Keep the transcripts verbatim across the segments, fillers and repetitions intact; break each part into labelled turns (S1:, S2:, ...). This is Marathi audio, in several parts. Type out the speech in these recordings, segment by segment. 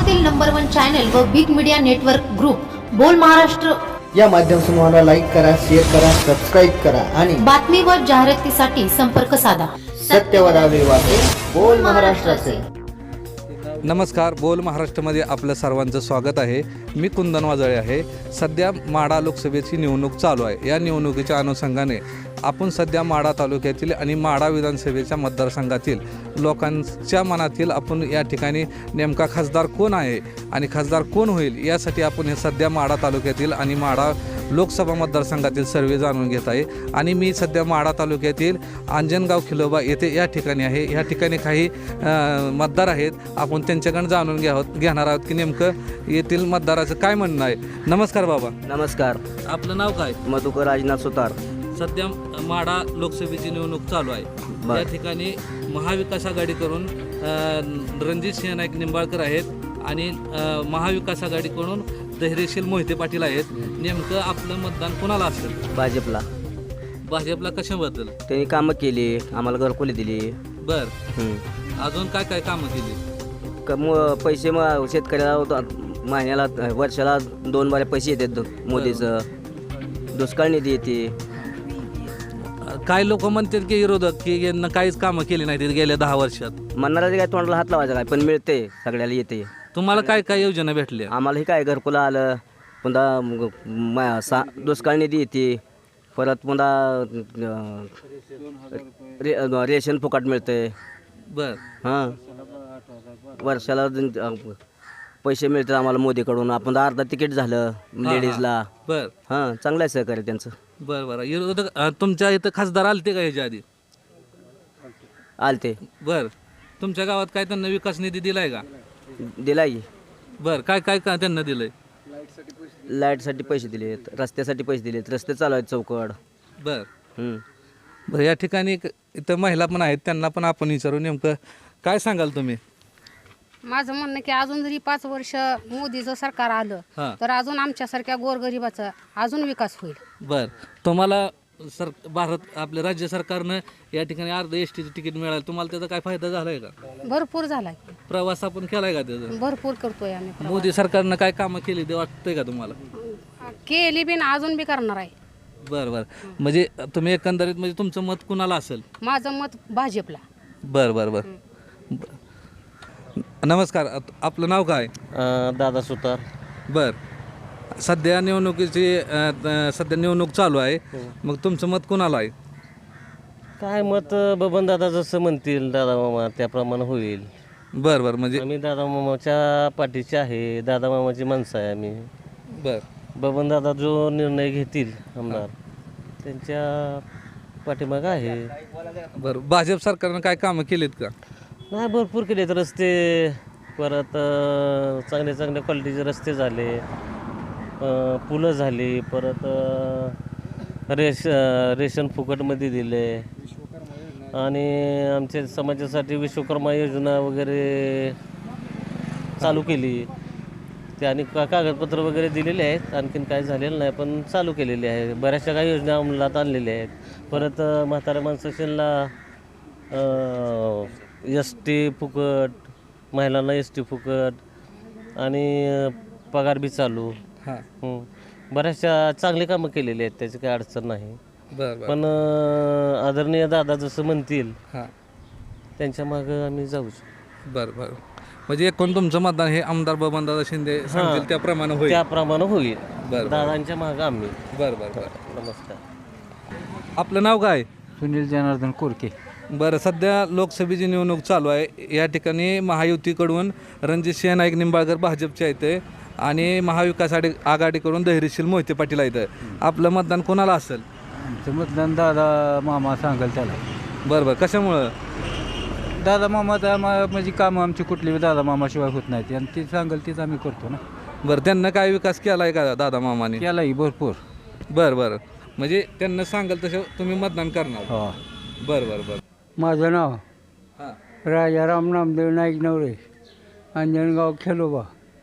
S1: महाराष्ट्रातील नंबर वन चॅनल व big media network group Bol Maharashtra
S2: या माध्यम समूहाला लाईक करा, शेअर करा, सबस्क्राईब करा आणि
S1: बातमी व जाहिरातीसाठी संपर्क साधा.
S2: सत्यवदावे वाटे बोल महाराष्ट्राचे.
S3: नमस्कार, बोल महाराष्ट्रामध्ये आपलं सर्वांचं स्वागत आहे. मी कुंदन वाजळे आहे. सध्या माढा लोकसभेची निवडणूक चालू आहे. या निवडणुकीच्या अनुषंगाने आपण सध्या माढा तालुक्यातील आणि माढा विधानसभेच्या मतदारसंघातील लोकांच्या मनातील आपण या ठिकाणी नेमका खासदार कोण आहे आणि खासदार कोण होईल यासाठी आपण हे सध्या माढा तालुक्यातील आणि माढा लोकसभा मतदारसंघातील सर्वे जाणून घेत आहे. आणि मी सध्या माढा तालुक्यातील अंजनगाव खिलोबा येथे या ठिकाणी आहे. या ठिकाणी काही मतदार आहेत. आपण त्यांच्याकडून जाणून घ्या घेणार आहोत की नेमकं येथील मतदाराचं काय म्हणणं आहे. नमस्कार बाबा.
S4: नमस्कार.
S3: आपलं नाव काय?
S4: मधुकर राजनाथ सुतार.
S3: सध्या माढा लोकसभेची निवडणूक चालू आहे. या ठिकाणी महाविकास आघाडीकडून रणजित सिंह नाईक निंबाळकर आहेत आणि महाविकास आघाडीकडून धैर्यशील मोहिते पाटील आहेत. नेमकं आपलं मतदान कोणाला असेल?
S4: भाजपला.
S3: भाजपला कशाबद्दल?
S4: त्यांनी कामं केली, आम्हाला घरकुली दिली.
S3: बर, अजून काय काय कामं केली?
S4: क म पैसे मग शेतकऱ्याला महिन्याला वर्षाला दोन बारे पैसे येतात मोदीचं. दुष्काळ निधी येते.
S3: काय लोक म्हणतात की विरोधक की यांना काहीच कामं केली नाही गेल्या दहा वर्षात.
S4: म्हणणारा काय तोंडाला हात लावायचा काय, पण मिळते, सगळ्याला येते.
S3: तुम्हाला काय काय योजना भेटल्या?
S4: आम्हाला हे काय घरकुला आलं, पुन्हा सा दुष्काळ निधी येते, परत पुन्हा रे रेशन फुकट मिळते.
S3: बर.
S4: हां, वर्षाला पैसे मिळतात आम्हाला मोदीकडून. आपण अर्धा तिकीट झालं लेडीजला.
S3: बर.
S4: हां, चांगलं आहे सहकार्य त्यांचं.
S3: बरं बरं. विरोधक तुमच्या इथं खासदार आलते का ह्याच्या आधी?
S4: आलते.
S3: बर. तुमच्या गावात काय त्यांना विकास निधी दिलाय का?
S4: दिलाय.
S3: बर. काय काय का त्यांना दिलंय?
S4: लाईटसाठी पैसे दिलेत, रस्त्यासाठी पैसे दिलेत, रस्ते चालू आहेत चौकड.
S3: बर.
S4: हं.
S3: बरं, या ठिकाणी एक इथं महिला पण आहेत, त्यांना पण आपण विचारू. नेमकं काय सांगाल तुम्ही?
S5: माझं म्हणणं की अजून जरी पाच वर्ष मोदीचं सरकार आलं
S3: हां.
S5: तर अजून आमच्यासारख्या गोरगरिबाचा अजून विकास होईल.
S3: बर. तुम्हाला सर भारत आपल्या राज्य सरकारनं या ठिकाणी अर्ध एस टीचं तिकीट मिळालं, तुम्हाला त्याचा काय फायदा झालाय का?
S5: भरपूर झालाय,
S3: प्रवास आपण केलाय का त्याचा?
S5: भरपूर करतोय आम्ही प्रवास.
S3: मोदी सरकारनं काय कामं केली ते वाटतंय का तुम्हाला?
S5: केली बिन अजून बी करणार आहे.
S3: बरं बरं. म्हणजे तुम्ही एकंदरीत म्हणजे तुमचं मत कुणाला असेल?
S5: माझं मत भाजपला.
S3: बरं बरं बरं. नमस्कार, आपलं नाव काय?
S4: दादा सुतार.
S3: बर. सध्या निवडणुकीची सध्या निवडणूक चालू आहे. मग तुमचं मत कुणाला आहे?
S6: काय मत बबन दादा जसं म्हणतील दादा मामा त्याप्रमाणे होईल.
S3: बरं बरं. म्हणजे
S6: आम्ही दादा मामाच्या पाठीचे आहे, दादा मामाची माणसं आहे आम्ही.
S3: बर.
S6: बबन दादा जो निर्णय घेतील आमदार त्यांच्या पाठीमागं आहे.
S3: बरं. भाजप सरकारनं काय कामं केलीत का?
S6: नाही, भरपूर केलेत रस्ते, परत चांगले चांगल्या क्वालिटीचे रस्ते झाले, पुलं झाली, परत रेश रेशन फुकटमध्ये दिले आणि आमच्या समाजासाठी विश्वकर्मा योजना वगैरे चालू केली. ते आणि का कागदपत्र वगैरे दिलेले आहेत. आणखीन काय झालेलं नाही, पण चालू केलेले आहे. बऱ्याचशा काही योजना अंमलात आणलेल्या आहेत. परत म्हाताऱ्या माणसाशीला एस टी फुकट, महिलांना एस टी फुकट आणि पगार बी चालू.
S3: हां.
S6: बऱ्याचशा चांगली कामं केलेली आहेत, त्याची काही अडचण नाही.
S3: बरं बरं.
S6: पण आदरणीय दादा जसं म्हणतील
S3: हां,
S6: त्यांच्या मागं आम्ही जाऊ.
S3: बरं बरं. म्हणजे एकूण तुमचं मतदान हे आमदार बबनदादा शिंदे सांगतील त्याप्रमाणे होईल?
S6: त्याप्रमाणे होईल.
S3: बरं.
S6: दादांच्या मागं आम्ही.
S3: बरं बरं बरं.
S6: नमस्कार.
S3: आपलं नाव काय?
S7: सुनील जनार्दन कोरके.
S3: बरं. सध्या लोकसभेची निवडणूक चालू आहे. या ठिकाणी महायुतीकडून रणजित सिंह नाईक निंबाळकर भाजपचे आहेत आणि महाविकास आघाडी आघाडीकडून धैर्यशील मोहिते पाटील आहेत. आपलं मतदान कोणाला असेल?
S7: आमचं मतदान दादा मामा सांगाल त्याला.
S3: बरं बरं. कशामुळं?
S7: दादा मामा तर म्हणजे कामं आमची कुठली दादा मामाशिवाय होत नाहीत आणि ती सांगाल तीच आम्ही करतो ना.
S3: बरं. त्यांना काय विकास केला आहे का दादा मामाने?
S7: केलाही भरपूर.
S3: बरं बरं. म्हणजे त्यांना सांगाल तसं तुम्ही मतदान करणार?
S7: हो.
S3: बरं बरं बरं.
S7: माझं नाव
S3: हां.
S7: राजाराम नामदेव नाईक नवरे, अंजनगाव खेलोबा.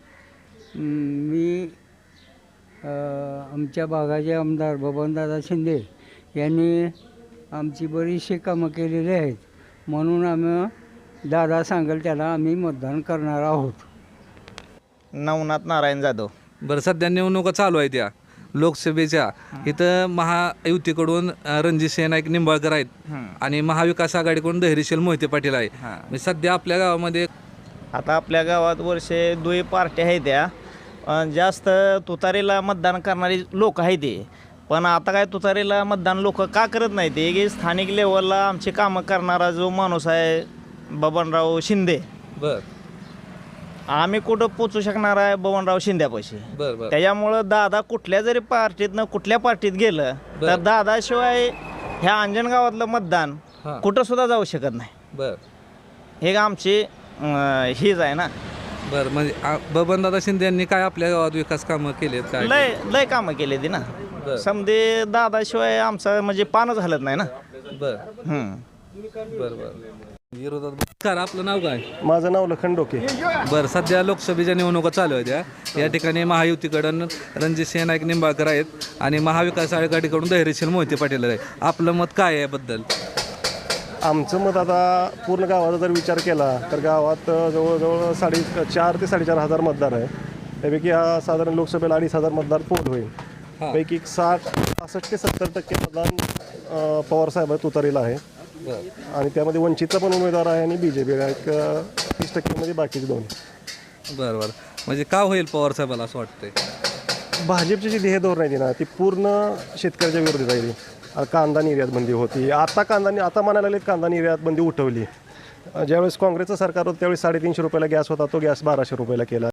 S7: मी आमच्या भागाचे आमदार बबनदादा शिंदे यांनी आमची बरीचशी कामं केलेली आहेत, म्हणून आम्ही दादा सांगेल त्याला आम्ही मतदान करणार आहोत.
S8: नवनाथ नारायण जाधव.
S3: बरं, सध्या निवडणुका चालू आहेत त्या लोकसभेच्या. इथं महायुतीकडून अ, रणजितसिंह नाईक निंबाळकर आहेत आणि महाविकास आघाडीकडून धैर्यशील मोहिते पाटील आहे. म्हणजे सध्या आपल्या गावामध्ये
S8: आता आपल्या गावात वर्षे दुई पार्ट्या आहेत त्या अं, जास्त तुतारीला मतदान करणारी लोक आहेत ते. पण आता काय तुतारीला मतदान लोक का करत नाही ते की स्थानिक लेवलला आमचे कामं करणारा जो माणूस आहे बबनराव शिंदे,
S3: बर
S8: आम्ही कुठं पोचू शकणार आहे बबनराव शिंद्यापाशी.
S3: बर बर
S8: त्याच्यामुळं दादा कुठल्या जरी पार्टीतनं कुठल्या पार्टीत गेलं तर दादाशिवाय ह्या अंजन गावातलं मतदान
S3: हां.
S8: कुठं सुद्धा जाऊ शकत नाही.
S3: बर
S8: हे आमची अं, हीच आहे ना.
S3: बर म्हणजे आ- बबनदादा शिंदे यांनी काय आपल्या गावात विकास कामं केलेत काय?
S8: लय लय कामं केली ती ना.
S3: बरं.
S8: समजे दादाशिवाय आमचं म्हणजे पानच हलत नाही ना.
S3: बर
S8: हम्म.
S3: बर बर विरोधात नमस्कार, आपलं नाव काय?
S9: माझं नाव लखन डोके.
S3: बरं, सध्या लोकसभेच्या निवडणुका चालू आहेत या या ठिकाणी महायुतीकडून रणजितसिंह नाईक निंबाळकर आहेत आणि महाविकास आघाडीकडून धैर्यशील मोहिते पाटील आहे. आपलं मत काय आहे याबद्दल?
S9: आमचं मत आता पूर्ण गावाचा जर विचार केला तर गावात जवळजवळ साडे चार ते साडेचार हजार मतदार आहे. त्यापैकी हा साधारण लोकसभेला अडीच हजार मतदार पोल होईल. पैकी एक साठ पासष्ट ते सत्तर टक्के मतदान अं, पवारसाहेब तुतारीला आहे आणि त्यामध्ये वंचितचा पण उमेदवार आहे आणि बी जे पी एक तीस टक्केमध्ये बाकीचे दोन.
S3: बरं बरं म्हणजे का होईल पवार साहेबाला असं वाटतंय?
S9: भाजपची जी ध्येय धोरण आहे ना ती पूर्ण शेतकऱ्याच्या विरोधी जाईल. कांदा निर्यात बंदी होती, आता कांदा आता म्हणायला लागले कांदा निर्यात बंदी उठवली. ज्यावेळेस काँग्रेसचं सरकार होतं त्यावेळेस साडेतीनशे रुपयाला गॅस होता, तो गॅस बाराशे रुपयाला केला.